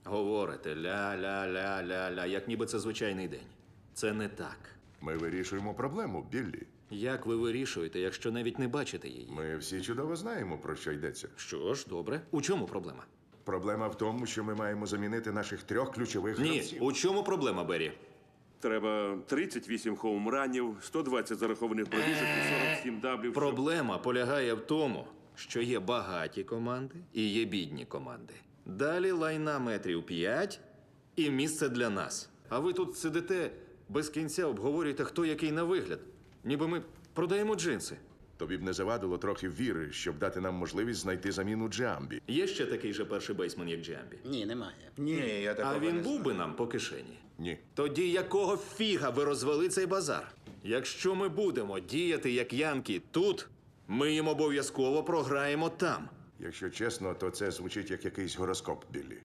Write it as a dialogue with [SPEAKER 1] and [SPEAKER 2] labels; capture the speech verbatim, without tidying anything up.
[SPEAKER 1] Говорите ля-ля-ля-ля-ля, як ніби це звичайний день. Це не так.
[SPEAKER 2] Ми вирішуємо проблему, Біллі.
[SPEAKER 1] Як ви вирішуєте, якщо навіть не бачите її?
[SPEAKER 2] Ми всі чудово знаємо, про що йдеться.
[SPEAKER 1] Що ж, добре. У чому проблема?
[SPEAKER 2] Проблема в тому, що ми маємо замінити наших трьох ключових
[SPEAKER 1] Ні,
[SPEAKER 2] гравців.
[SPEAKER 1] у чому проблема, Беррі?
[SPEAKER 3] Треба тридцять вісім хоумранів, сто двадцять зарахованих пробіжок і сорок сім даблів. щоб-
[SPEAKER 1] Проблема полягає в тому, що є багаті команди і є бідні команди. Далі лайна метрів п'ять і місце для нас. А ви тут сидите без кінця, обговорюєте, хто який на вигляд. Ніби ми продаємо джинси.
[SPEAKER 2] Тобі б не завадило трохи віри, щоб дати нам можливість знайти заміну Джамбі.
[SPEAKER 1] Є ще такий же перший бейсмен, як Джамбі?
[SPEAKER 4] Ні, немає.
[SPEAKER 5] Ні, я такого
[SPEAKER 1] А він
[SPEAKER 5] не
[SPEAKER 1] був
[SPEAKER 5] знаю.
[SPEAKER 1] би нам по кишені?
[SPEAKER 2] Ні.
[SPEAKER 1] Тоді якого фіга ви розвели цей базар? Якщо ми будемо діяти як янки тут, ми їм обов'язково програємо там.
[SPEAKER 2] Якщо чесно, то це звучить як якийсь гороскоп, Біллі.